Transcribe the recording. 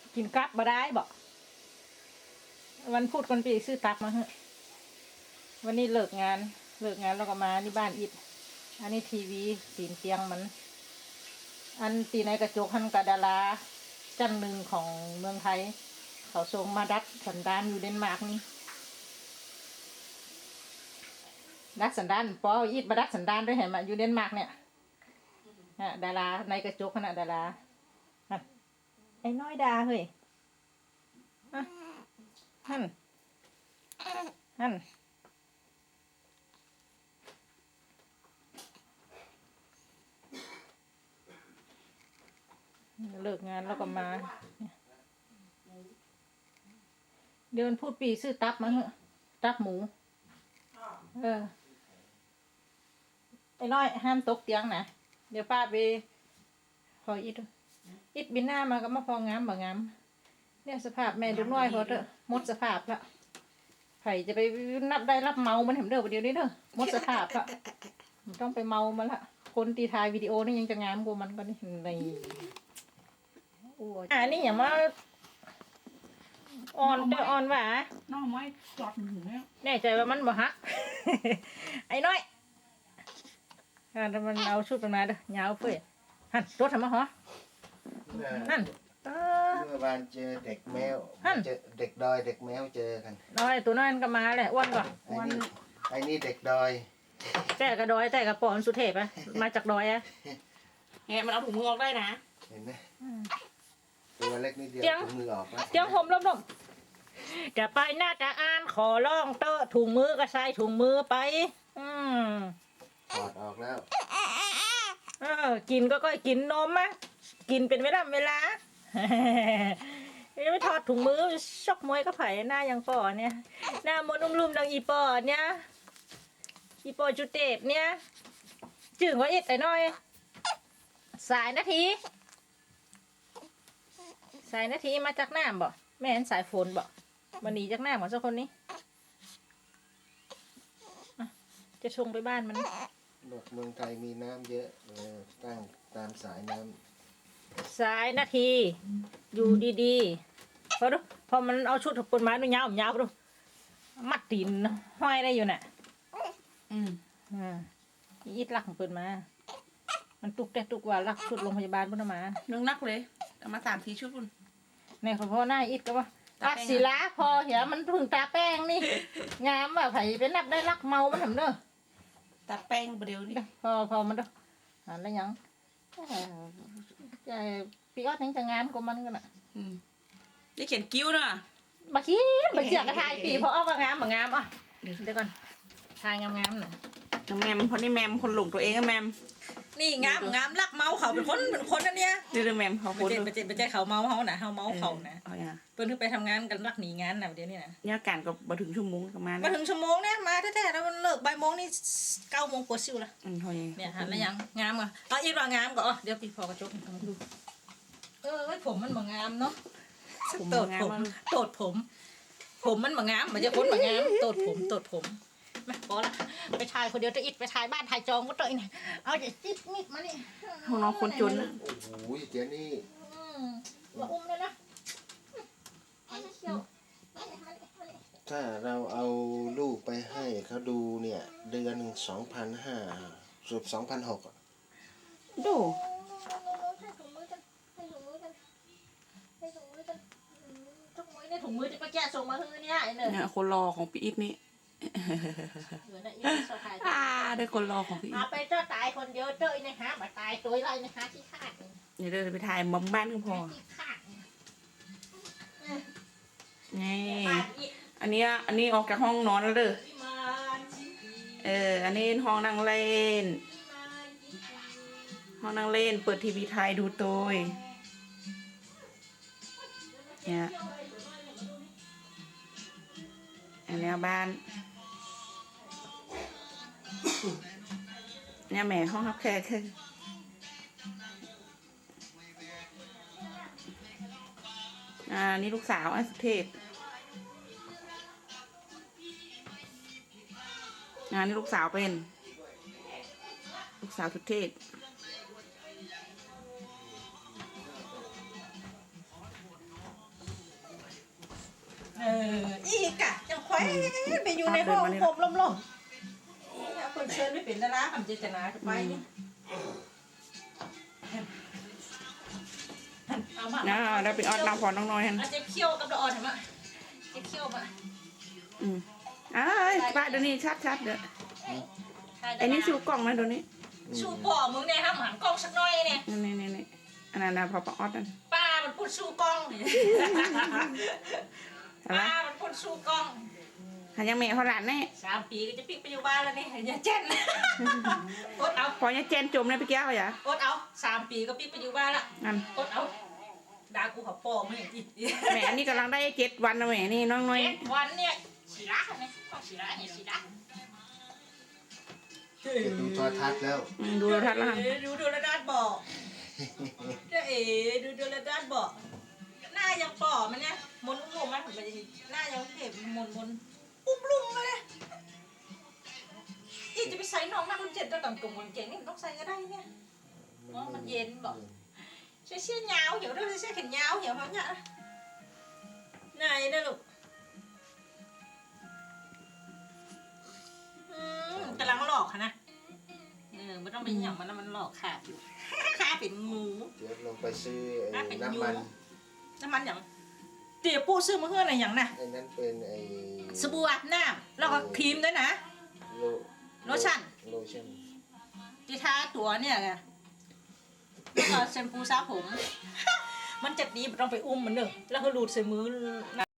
กินกลับมาได้บอกวันพูดคนปีซื้อตับมาเฮ้วันนี้เลิกงานแล้วก็มาที่บ้านอิดอันนี้ทีวีตีนเตียงมันอันตีในกระจกหันกระดาราจันหนึ่งของเมืองไทยเขาส่งมาดัดสันดานอยู่เดนมาร์กนี่ดัดสันดานปออิดมาดัดสันดานด้วยเห็นไหมอยู่เดนมาร์กเนี่ยดาราในกระจกขนาดดาราไอ้น้อยดาเฮ้ยฮั่นเลิกงานแล้วก็มาเดินพูดปีซื้อตับมาเหอะตับหมูไอ้น้อยห้ามตกเตียงนะเดี๋ยวป้าไปพออิดบินหน้ามาก็มาพองามบ่งามเนี่ยสภาพแม่ดูน้อยพอเถอะหมดสภาพละไผ่จะไปนับได้รับเมามันเห็นเด้อประเดี๋ยวนี้เด้อหมดสภาพละต้องไปเมามันละคนตีทายวิดีโอนี่ยังจะงามกว่ามันก็นี่ในโอ้ยนี่อย่ามาอ่อนเด้ออ่อนหวาน้องไม้จอดถึงแล้วแน่ใจว่ามันบ่ฮัก ไอ้น้อยถ้ามันเอาชุดมันมาเด้อยาวเฟ้ยหันรถทำมาหรอหันเมื่อวานเจอเด็กแมวเจอเด็กดอยเด็กแมวเจอกันน้อยตัวน้อยก็มาแหละอ้วนก่อนไอ้นี่เด็กดอยแต่กระดอยแต่กระป๋อนสุเทพอะมาจากดอยอะไงมันเอาถุงมือออกได้นะเห็นไหมตัวเล็กนิดเดียวถุงมือออกแล้วเจียงผมล้มจะไปน่าจะอ่านขอร้องเตอะถุงมือก็ใส่ถุงมือไปถอดออกแล้วกินก็กินนมอะกินเป็นเวลาไม่ถอดถุงมือชกมวยก็ไผ่หน้ายังปอเนี่ยหน้ามดลุ่มๆดังอีปอเนี่ยอีปอจุเตปเนี่ยจึงว่าอิดแต่น้อยสายนาทีมาจากน้ำบ่แม่นสายฝนบ่วันนี้จากน้ำของเจ้าคนนี้จะชงไปบ้านมันบอกเมืองไทยมีน้ำเยอะตั้งตามสายน้ำสายนาทีอยู่ดีๆพอมันเอาชุดถกปนไม้ดูยาวดูมัดตีนห้อยได้อยู่น่ะอิดลักของเปิดมามันตุกแต่ตุกว่าลักชุดโรงพยาบาลพุ่นมาเรื่องนักเลยเอามา3-4 ชุดพุ่นในพอหน้าอิดก็ว่าตัดสีล้าพอเหี้ยมันถึงตาแป้งนี่งามว่าไผ่เป็นนับได้ลักเมามันทำเด้อตาแป้งประเดี๋ยวนี้พอมันเด้อแล้วยังปีออดยังจะงามกว่ามันกันอ่ะได้เขียนกิ้วเนาะมาขี้มาเจียกระทายปีเพราะว่างามอ่ะเดี๋ยวก่อนทายงามหน่อยแมมคนนี้แมมคนหลงตัวเองอะแมมนี่งามรักเมาเขาเป็นคนนั่นเนี่ยเรื่องแมมเขาคนไปเจ๊เขาเมาเขานะเขาเมาเขานะเปิ้ลไปทำงานกันรักหนีงานนะเดี๋ยวนี้นะเนี่ยการก็มาถึงชั่วโมงประมาณมาถึงชั่วโมงเนี่ยมาแท้ๆแล้วมันเลิกบ่ายโมงนี่9 โมงกว่าซิวละเนี่ยหันแล้วยังงามอ่ะเอาอีกว่างามก่อนเดี๋ยวพี่พอกระจกดูผมมันบ่งามเนาะโตดผมมันบ่งามมันจะพ้นบ่งามโตดผมมาพอละไปถ่ายคนเดียวจะอิดไปถ่ายบ้านถ่ายจองก็ตัวเองเอาจะจิ๊บมิดมานี่ของน้องคนจนโอ้ยเจ๊นี่ว่าอุ้มเลยนะถ้าเราเอาลูกไปให้เขาดูเนี่ยเดือนหนึ่ง2,500 2,600อ่ะดูถุงมือจะไปแกะส่งมาเฮือเนี่ยคนรอของพี่อิทนี่ได้คนรอของพี่อิทไปเจ้าตายคนเดียวเจ้าอีนะคะมาตายตัวไรนะคะที่ขาดเนี่ยเดินไปถ่ายมุมบ้านก็พอนี่อันนี้ออกจากห้องนอนแล้วเด้ออันนี้ห้องนั่งเล่นเปิดทีวีไทยดูตัวเนี่ยอันนี้บ้านเนี่ยแม่ห้องรับแขกคือนี่ลูกสาวสุเทพนี่ลูกสาวเป็นลูกสาวสุเทพไปอยู่ในห้องผมลมๆคนเชิญไม่เป็นดาราคำเจตนาจะไปเนี่ยเอามาเราไปออดน้ำพอน้องน้อยฮันอาจจะเคี่ยวกับละอ่อนเห็นไหมจะเคี่ยวมาป้าเดี๋ยวนี้ชัดเด้อไอ้นี่ชูกล่องนะเดี๋ยวนี้ชูป่อมึงเนี่ยห้ามหันกล้องสักหน่อยเนี่ยนี่อันนั้นนะพอออดนั่นป้ามันพูดชูกล้องป้ามันพูดชูกล้องหันยังแม่เขาหลานแน่ 3 ปีก็จะปิกไปอยู่บ้านแล้วนี่อย่าเจนอดเอาพอเนี่ยเจนจมเลยพี่แก้วอย่าอดเอา3 ปีก็ปิกไปอยู่บ้านละนั่นอดเอาด่ากูขับป่อมึงอย่างนี้แม่อันนี้กำลังได้7 วันนะแม่นี่น้องน้อยวันเนี่ยฉีระเนี่ยต้องฉีระเนี่ยฉีระจะดูโทรทัศน์แล้วดูเราทัดแล้วดูระดาษบอกเจ้าดูระดาษบอกหน้ายังป่อมันเนี่ยมนอุ้มมันผมไปหน้ายังเก็บมนอุ้มลุงเลยอีจะไปใส่น้องหน้าคนเจ็ดแล้วกับกลุ่มคนเก่งนี่ต้องใส่ก็ได้เนี่ยอ๋อมันเย็นบอกเชี่ยยาวhiểu đâuเชี่ยแขนยาวhiểu không nhỉ này đây lục กำลังหลอกค่ะนะไม่ต้องไปหยั่งมันหลอกขาดอยู่ขาเป็นงูเดี๋ยวลงไปซื้อไอ้น้ำมันอย่างเตี๋ยปูซื้อมาเพื่ออะไรอย่างน่ะไอ้นั้นเป็นไอ้สบู่อาบน้ำแล้วก็ครีมด้วยนะ โลชั่นโลชั่นที่ทาตัวเนี่ยไงแล้วก็แชมพูสระผม มันเจ็บดีไม่ต้องไปอุ้มมันเนอะแล้วก็รูดใส่มือ